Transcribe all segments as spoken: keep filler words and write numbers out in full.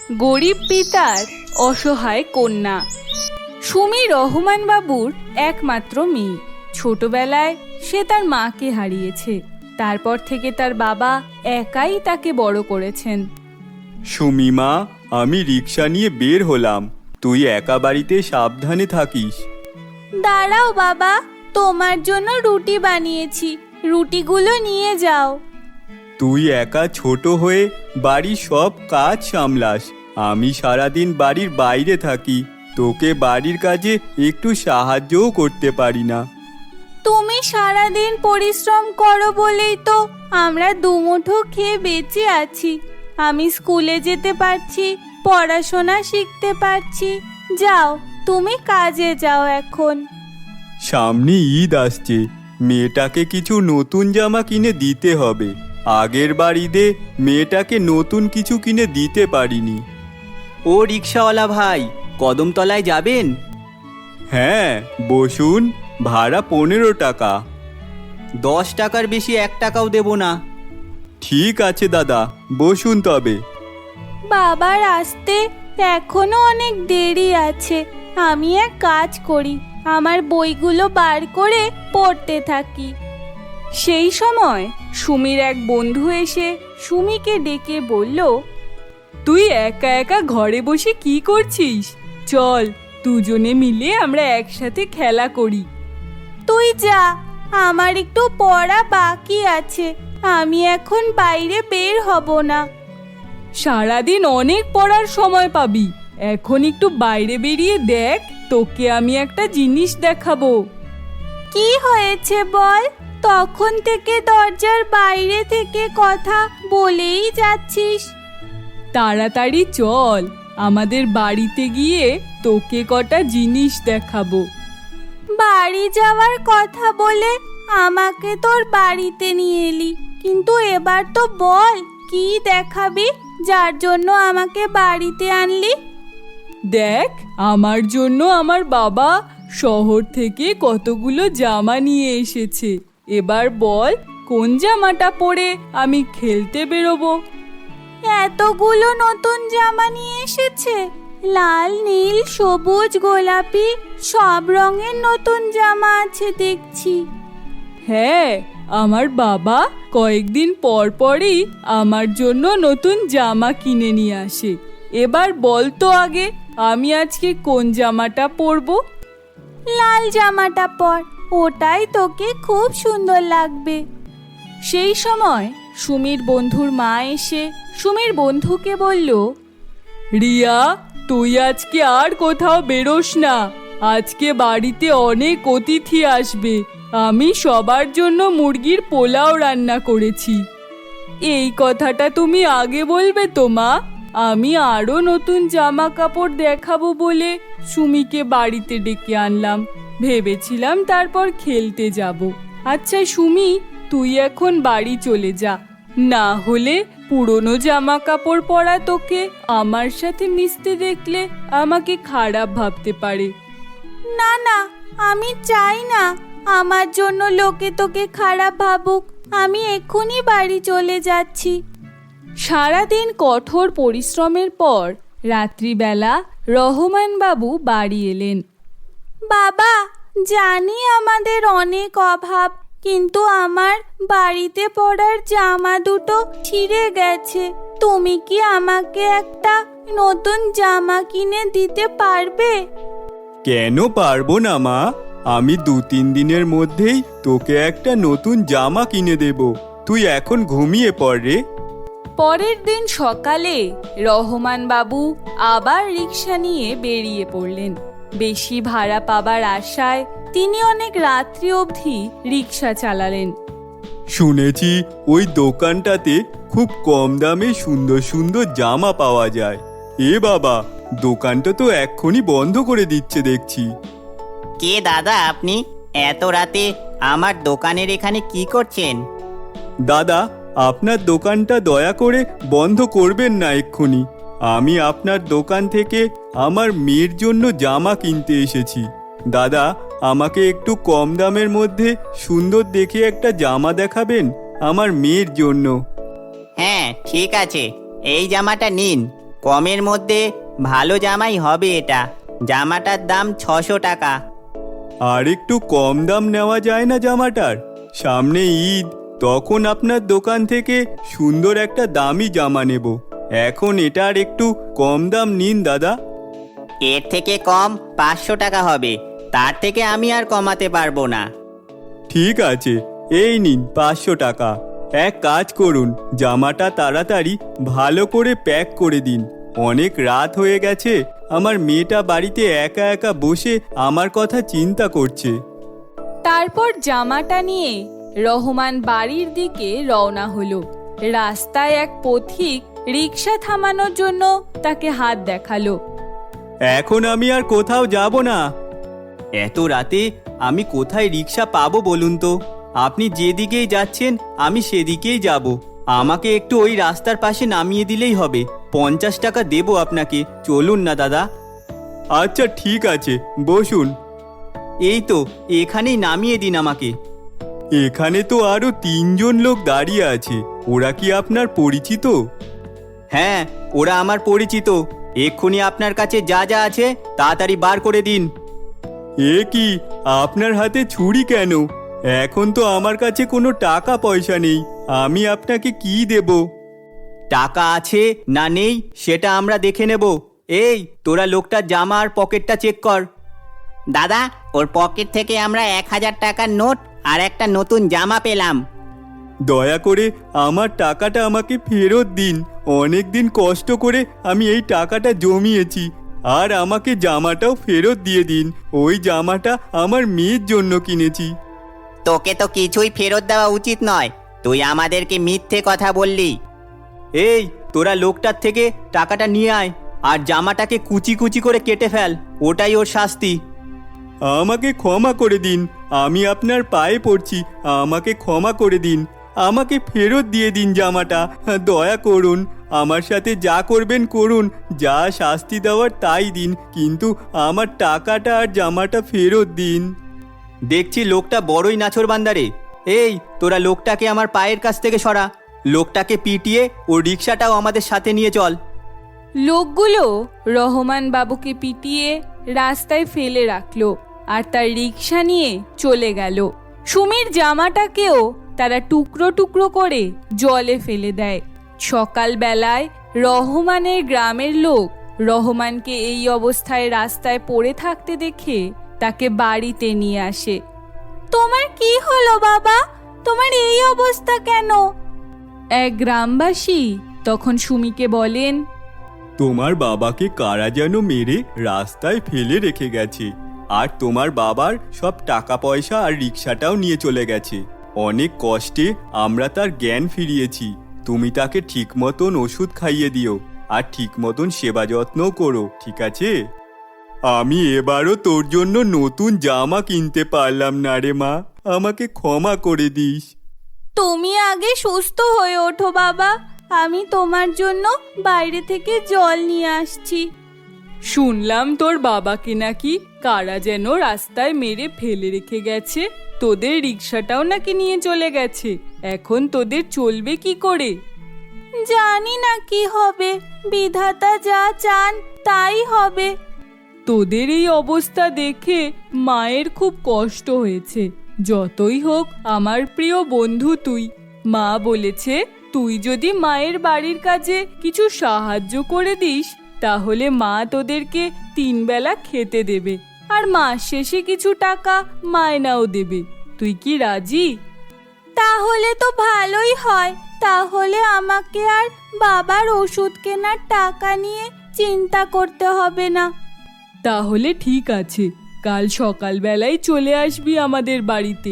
গরিব পিতার অসহায় কন্যা। সুমি রহমান বাবুর একমাত্র মেয়ে। ছোটবেলায় সে তার মাকে হারিয়েছে। তারপর থেকে তার বাবা একাই তাকে বড় করেছেন। সুমি মা, আমি রিক্সা নিয়ে বের হলাম, তুই একা বাড়িতে সাবধানে থাকিস। দাঁড়াও বাবা, তোমার জন্য রুটি বানিয়েছি, রুটিগুলো নিয়ে যাও। তুই একা ছোট হয়ে বাড়ির সব কাজ সামলাস, আমি সারাদিন বাড়ির বাইরে থাকি, তোকে বাড়ির কাজে একটু সাহায্যও করতে পারি না। তুমি সারাদিন পরিশ্রম করো বলেই তো আমরা দুমুঠো খেয়ে বেঁচে আছি। আমি স্কুলে যেতে পারছি, পড়াশোনা শিখতে পারছি। যাও, তুমি কাজে যাও এখন। সামনে ঈদ আসছে, মেয়েটাকে কিছু নতুন জামা কিনে দিতে হবে। আগের বার ঈদে মেয়েটাকে নতুন কিছু কিনে দিতে পারিনি। ও রিক্সাওয়ালা ভাই, কদমতলায় যাবেন? হ্যাঁ বসুন, ভাড়া পনেরো টাকা। দশ টাকার বেশি এক টাকাও দেব না। ঠিক আছে দাদা, বসুন তবে। বাবার আসতে এখনো অনেক দেরি আছে। আমি এক কাজ করি, আমার বইগুলো বার করে পড়তে থাকি। সেই সময় সুমির এক বন্ধু এসে সুমিকে ডেকে বলল, তুই একা একা ঘরে বসে কি করছিস? চল, দুজনে মিলে আমরা একসাথে খেলা করি। তুই যা, আমার একটু পড়া বাকি আছে, আমি এখন বাইরে বের হব না। সারাদিন অনেক পড়ার সময় পাবি, এখন একটু বাইরে বেরিয়ে দেখ, তোকে আমি একটা জিনিস দেখাবো। কি হয়েছে বল? তখন থেকে দরজার বাইরে থেকে কথা বলেই যাচ্ছিস। তাড়াতাড়ি চল, আমাদের বাড়িতে গিয়ে তোকে কটা জিনিস দেখাবো। বাড়ি যাওয়ার কথা বলে আমাকে তোর বাড়িতে নিয়ে এলি, কিন্তু এবার তো বল কি দেখাবি যার জন্য আমাকে বাড়িতে আনলি? দেখ, আমার জন্য আমার বাবা শহর থেকে কতগুলো জামা নিয়ে এসেছে। এবার বল কোন জামাটা পরে আমি খেলতে বেরোবো? এতগুলো নতুন জামা নিয়ে এসেছে, লাল, নীল, সবুজ, গোলাপি, সব রঙের নতুন জামা আছে দেখছি। হ্যাঁ, আমার বাবা কয়েকদিন পর পরই আমার জন্য নতুন জামা কিনে নিয়ে আসে। এবার বল তো আগে, আমি আজকে কোন জামাটা পরবো? লাল জামাটা পর, ওটাই তোকে খুব সুন্দর লাগবে। সেই সময় সুমির বন্ধুর মা এসে সুমির বন্ধুকে বলল, রিয়া, তুই আজকে আর কোথাও বেরোস না, আজকে বাড়িতে অনেক অতিথি আসবে। আমি সবার জন্য মুরগির পোলাও রান্না করেছি। এই কথাটা তুমি আগে বলবে তো মা? আমি আরো নতুন জামা কাপড় দেখাবো বলে সুমিকে বাড়িতে ডেকে আনলাম, ভেবেছিলাম তারপর খেলতে যাব। আচ্ছা সুমি, তুই এখন বাড়ি চলে যা, না হলে পুরনো জামা কাপড় পরা তোকে আমার সাথে মিশতে দেখলে আমাকে খারাপ ভাবতে পারে। না না, আমি চাই না আমার জন্য লোকে তোকে খারাপ ভাবুক। আমি এক্ষুনি বাড়ি চলে যাচ্ছি। সারাদিন কঠোর পরিশ্রমের পর রাত্রিবেলা রহমান বাবু বাড়ি এলেন। বাবা, জানি আমাদের অনেক অভাব, কিন্তু আমার বাড়িতে পরার জামা দুটো ছিঁড়ে গেছে। তুমি কি আমাকে একটা নতুন জামা কিনে দিতে পারবে? কেন পারবো না মা, আমি দু তিন দিনের মধ্যেই তোকে একটা নতুন জামা কিনে দেব। তুই এখন ঘুমিয়ে পড় রে। পরের দিন সকালে রহমান বাবু আবার রিক্সা নিয়ে বেরিয়ে পড়লেন। বেশি ভাড়া পাবার আশায় তিনি অনেক রাত্রি অবধি রিক্সা চালালেন। শুনেছি ওই দোকানটাতে খুব কম দামে সুন্দর সুন্দর জামা পাওয়া যায়। এ বাবা, দোকানটা তো এক্ষুনি বন্ধ করে দিচ্ছে দেখছি। কে দাদা আপনি? এত রাতে আমার দোকানের এখানে কি করছেন? দাদা, আপনার দোকানটা দয়া করে বন্ধ করবেন না এক্ষুনি। আমি আপনার দোকান থেকে আমার মেয়ের জন্য জামা কিনতে এসেছি। দাদা, আমাকে একটু কম দামের মধ্যে সুন্দর দেখে একটা জামা দেখাবেন আমার মেয়ের জন্য। হ্যাঁ ঠিক আছে, এই জামাটা নিন। কমের মধ্যে ভালো জামাই হবে এটা। জামাটার দাম ছশো টাকা। আর একটু কম দাম নেওয়া যায় না জামাটার? সামনে ঈদ, তখন আপনার দোকান থেকে সুন্দর একটা দামি জামা নেব। এখন এটার একটু কম দাম নিন দাদা। এর থেকে কম পাঁচশো টাকা হবে, তার থেকে আমি আর কমাতে পারবো না। ঠিক আছে, এই নিন পাঁচশো টাকা। এক কাজ করুন, জামাটা তাড়াতাড়ি ভালো করে প্যাক করে দিন। অনেক রাত হয়ে গেছে, আমার মেয়েটা বাড়িতে একা একা বসে আমার কথা চিন্তা করছে। তারপর জামাটা নিয়ে রহমান বাড়ির দিকে রওনা হলো। রাস্তায় এক পথিক রিক্সা থামানোর জন্য তাকে হাত দেখালো। এখন আমি আর কোথাও যাব না। এত রাতে আমি কোথায় রিক্সা পাবো বলুন তো? আপনি যেদিকেই যাচ্ছেন আমি সেদিকেই যাব। আমাকে একটু ওই রাস্তার পাশে নামিয়ে দিলেই হবে। পঞ্চাশ টাকা দেবো আপনাকে, চলুন না দাদা। আচ্ছা ঠিক আছে, বসুন। এই তো, এখানেই নামিয়ে দিন আমাকে। এখানে তো আরো তিনজন লোক দাঁড়িয়ে আছে, ওরা কি আপনার পরিচিত? হ্যাঁ, ওরা আমার পরিচিত। এক্ষুনি আপনার কাছে যা যা আছে তাড়াতাড়ি বার করে দিন। এ কি, আপনার হাতে ছুরি কেন? এখন তো আমার কাছে কোনো টাকা পয়সা নেই, আমি আপনাকে কি দেব? টাকা আছে না নেই সেটা আমরা দেখে নেব। এই, তোরা লোকটার জামা আর পকেটটা চেক কর। দাদা, ওর পকেট থেকে আমরা এক হাজার টাকার নোট আর একটা নতুন জামা পেলাম। দয়া করে আমার টাকাটা আমাকে ফেরত দিন। অনেক দিন কষ্ট করে আমি এই টাকাটা জমিয়েছি, আর আমাকে জামাটাও ফেরত দিয়ে দিন। ওই জামাটা আমার মেয়ের জন্য কিনেছি। তোকে তো কিছুই ফেরত দেওয়া উচিত নয়, তুই আমাদেরকে মিথ্যে কথা বললি। এই, তোরা লোকটার থেকে টাকাটা নিয়ে আয় আর জামাটাকে কুচি কুচি করে কেটে ফেল, ওটাই ওর শাস্তি। আমাকে ক্ষমা করে দিন, আমি আপনার পায়ে পড়ছি, আমাকে ক্ষমা করে দিন। আমাকে ফেরত দিয়ে দিন জামাটা, দয়া করুন। আমার সাথে যা করবেন করুন, যা শাস্তি দেওয়ার তাই দিন, কিন্তু আমার টাকাটা আর জামাটা ফেরত দিন। দেখছি লোকটা বড়ই নাছোড় বান্দারে। এই, তোরা লোকটাকে আমার পায়ের কাছ থেকে সরা। লোকটাকে পিটিয়ে ও রিক্সাটাও আমাদের সাথে নিয়ে চল। লোকগুলো রহমান বাবুকে পিটিয়ে রাস্তায় ফেলে রাখলো আর তার রিক্সা নিয়ে চলে গেল। সুমির জামাটাকেও তারা টুকরো টুকরো করে জলে ফেলে দেয়। সকালবেলায় রহমানের গ্রামের লোক রহমানকে এই অবস্থায় রাস্তায় পড়ে থাকতে দেখে তাকে বাড়িতে নিয়ে আসে। তোমার কি হলো বাবা? তোমার এই অবস্থা কেন? এক গ্রামবাসী তখন সুমিকে বলেন, তোমার বাবাকে কারা যেন মেরে রাস্তায় ফেলে রেখে গেছে, আর তোমার বাবার সব টাকা পয়সা আর রিক্সাটাও নিয়ে চলে গেছে। অনেক কষ্টে আমরা তার জ্ঞান ফিরিয়েছি। তুমি তাকে ঠিক মতন ওষুধ খাইয়ে দিও আর ঠিক মতন সেবা যত্নও করো, ঠিক আছে? আমি এবারও তোর জন্য নতুন জামা কিনতে পারলাম না রে মা, আমাকে ক্ষমা করে দিস। তুমি আগে সুস্থ হয়ে ওঠো বাবা, আমি তোমার জন্য বাইরে থেকে জল নিয়ে আসছি। শুনলাম তোর বাবাকে নাকি কারা যেন রাস্তায় মেরে ফেলে রেখে গেছে, তোদের রিক্সাটাও নাকি নিয়ে চলে গেছে। এখন তোদের চলবে কি করে? জানি না কি হবে, বিধাতা যা চান তাই হবে। তোদের এই অবস্থা দেখে মায়ের খুব কষ্ট হয়েছে। যতই হোক আমার প্রিয় বন্ধু তুই। মা বলেছে তুই যদি মায়ের বাড়ির কাজে কিছু সাহায্য করে দিস তাহলে মা তোদেরকে তিন বেলা খেতে দেবে আর মাস শেষে কিছু টাকা মায়নাও দেবে। তুই কি রাজি? তাহলে তো ভালোই হয়, তাহলে আমাকে আর বাবার ওষুধ কেনার টাকা নিয়ে চিন্তা করতে হবে না। তাহলে ঠিক আছে, কাল সকালবেলায় চলে আসবি আমাদের বাড়িতে।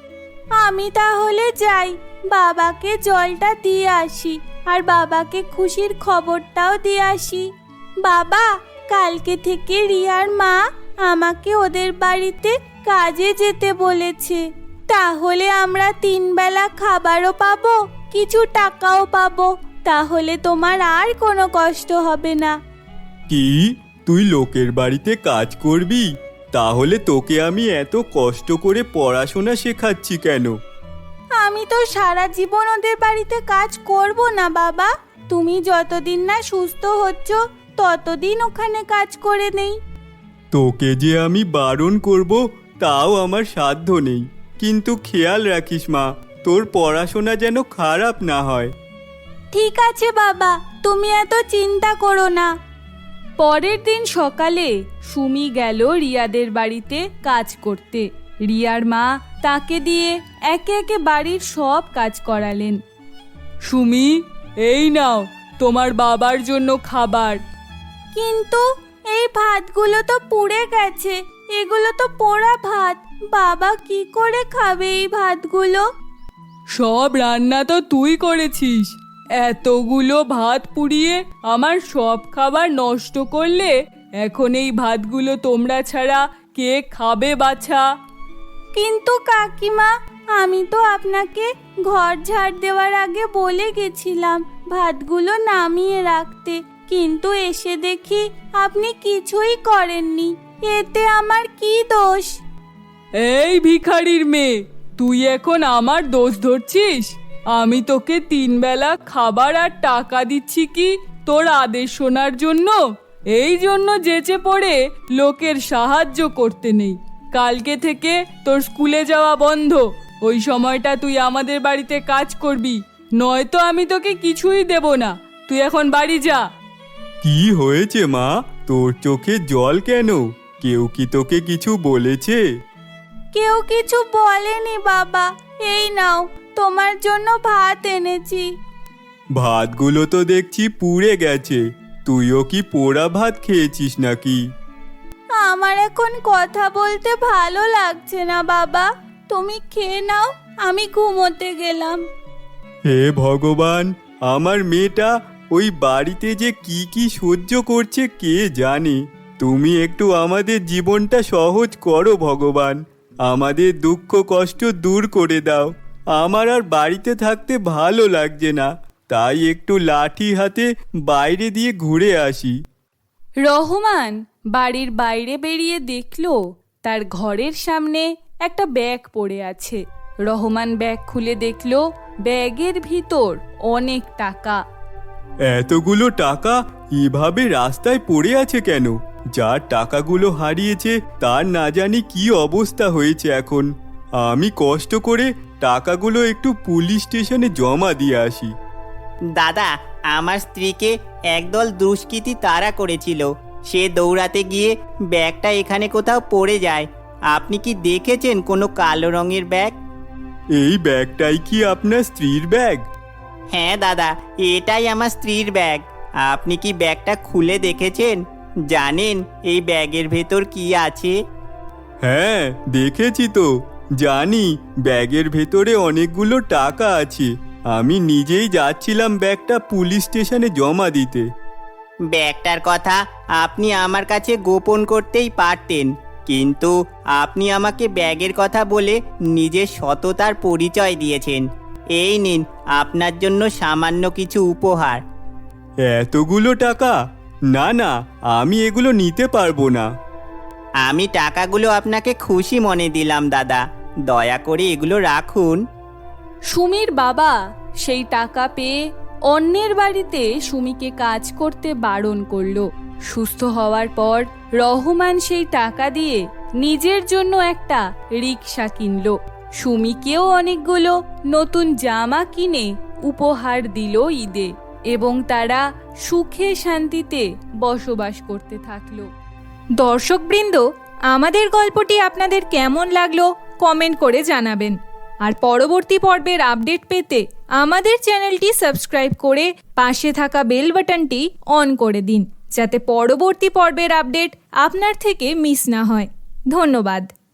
আমি তাহলে যাই, বাবাকে জলটা দিয়ে আসি আর বাবাকে খুশির খবরটাও দিয়ে আসি। বাবা, কালকে থেকে রিয়ার মা আমাকে ওদের বাড়িতে কাজে যেতে বলেছে। তাহলে আমরা তিন বেলা খাবারও পাবো, কিছু টাকাও পাবো। তাহলে তোমার আর কোনো কষ্ট হবে না। কি, তুই লোকের বাড়িতে কাজ করবি? তাহলে তোকে আমি এত কষ্ট করে পড়াশোনা শেখাচ্ছি কেন? আমি তো সারা জীবন ওদের বাড়িতে কাজ করব না বাবা, তুমি যতদিন না সুস্থ হচ্ছ ততদিন ওখানে কাজ করে নেই। তোকে যে আমি বারণ করব তাও আমার সাধ্য নেই, কিন্তু খেয়াল রাখিস মা, তোর পড়াশোনা যেন খারাপ না হয়। ঠিক আছে বাবা, তুমি এত চিন্তা করো না। পরের দিন সকালে সুমি গেল রিয়াদের বাড়িতে কাজ করতে। রিয়ার মা তাকে দিয়ে একে একে বাড়ির সব কাজ করালেন। সুমি, এই নাও তোমার বাবার জন্য খাবার। কিন্তু এই ভাতগুলো তো পুড়ে গেছে, এগুলো তো পোড়া ভাত, বাবা কি করে খাবে এই ভাতগুলো? সব রান্না তো তুই করেছিস, এতগুলো ভাত পুড়িয়ে আমার সব খাবার নষ্ট করলে এখন এই ভাতগুলো তোমরা ছাড়া কে খাবে বাছা? কিন্তু কাকিমা, আমি তো আপনাকে ঘর ঝাড় দেওয়ার আগে বলে গেছিলাম ভাতগুলো নামিয়ে রাখতে, কিন্তু এসে দেখি আপনি কিছুই করেননি, এতে আমার কি দোষ? এই ভিখারির মেয়ে, তুই এখন আমার দোষ ধরছিস? আমি তোকে তিন বেলা খাবার আর টাকা দিচ্ছি কি তোর আদেশ শোনার জন্য? এই জন্য যেচে পড়ে লোকের সাহায্য করতে নেই। কালকে থেকে তোর স্কুলে যাওয়া বন্ধ, ওই সময়টা তুই আমাদের বাড়িতে কাজ করবি, নয়তো আমি তোকে কিছুই দেব না। তুই এখন বাড়ি যা। কি হয়েছে মা, তোর চোখে জল কেন? কেউ কি তোকে কিছু বলেছে? কেউ কিছু বলেনি বাবা, এই নাও তোমার জন্য ভাত এনেছি। ভাতগুলো তো দেখছি পুড়ে গেছে, তুইও কি পোড়া ভাত খেয়েছিস নাকি? আমার এখন কথা বলতে ভালো লাগছে না বাবা, তুমি খেয়ে নাও, আমি ঘুমোতে গেলাম। হে ভগবান, আমার মেয়েটা ওই বাড়িতে যে কি কি সহ্য করছে কে জানে। তুমি একটু আমাদের জীবনটা সহজ করো ভগবান, আমাদের দুঃখ কষ্ট দূর করে দাও। আমার আর বাড়িতে থাকতে ভালো লাগছে না, তাই একটু লাঠি হাতে বাইরে দিয়ে ঘুরে আসি। রহমান বাড়ির বাইরে বেরিয়ে দেখলো তার ঘরের সামনে একটা ব্যাগ পড়ে আছে। রহমান ব্যাগ খুলে দেখলো ব্যাগের ভিতর অনেক টাকা। এতগুলো টাকা এভাবে রাস্তায় পড়ে আছে কেন? যার টাকাগুলো হারিয়েছে তার না জানি কি অবস্থা হয়েছে এখন। আমি কষ্ট করে টাকাগুলো একটু পুলিশ স্টেশনে জমা দিয়ে আসি। দাদা, আমার স্ত্রীকে একদল দুষ্কৃতী তাড়া করেছিল, সে দৌড়াতে গিয়ে ব্যাগটা এখানে কোথাও পড়ে যায়। আপনি কি দেখেছেন কোনো কালো রঙের ব্যাগ? এই ব্যাগটাই কি আপনার স্ত্রীর ব্যাগ? হ্যাঁ দাদা, এটাই আমার স্ত্রীর ব্যাগ। আপনি কি ব্যাগটা খুলে দেখেছেন? জানেন এই ব্যাগের ভেতর কি আছে? হ্যাঁ দেখেছি তো, জানি ব্যাগের ভেতরে অনেকগুলো টাকা আছে। আমি নিজেই যাচ্ছিলাম ব্যাগটা পুলিশ স্টেশনে জমা দিতে। ব্যাগটার কথা আপনি আমার কাছে গোপন করতেই পারতেন, কিন্তু আপনি আমাকে ব্যাগের কথা বলে নিজের সততার পরিচয় দিয়েছেন। এই নিন আপনার জন্য সামান্য কিছু উপহার। এতগুলো টাকা? না না, আমি এগুলো নিতে পারবো না। আমি টাকাগুলো আপনাকে খুশি মনে দিলাম দাদা, দয়া করে এগুলো রাখুন। সুমির বাবা সেই টাকা পেয়ে অন্যের বাড়িতে সুমিকে কাজ করতে বারণ করলো। সুস্থ হওয়ার পর রহমান সেই টাকা দিয়ে নিজের জন্য একটা রিক্সা কিনলো। সুমিকেও অনেকগুলো নতুন জামা কিনে উপহার দিল ঈদে, এবং তারা সুখে শান্তিতে বসবাস করতে থাকলো। দর্শকবৃন্দ, আমাদের গল্পটি আপনাদের কেমন লাগলো কমেন্ট করে জানাবেন। আর পরবর্তী পর্বের আপডেট পেতে আমাদের চ্যানেলটি সাবস্ক্রাইব করে পাশে থাকা বেল বাটনটি অন করে দিন, যাতে পরবর্তী পর্বের আপডেট আপনার থেকে মিস না হয়। ধন্যবাদ।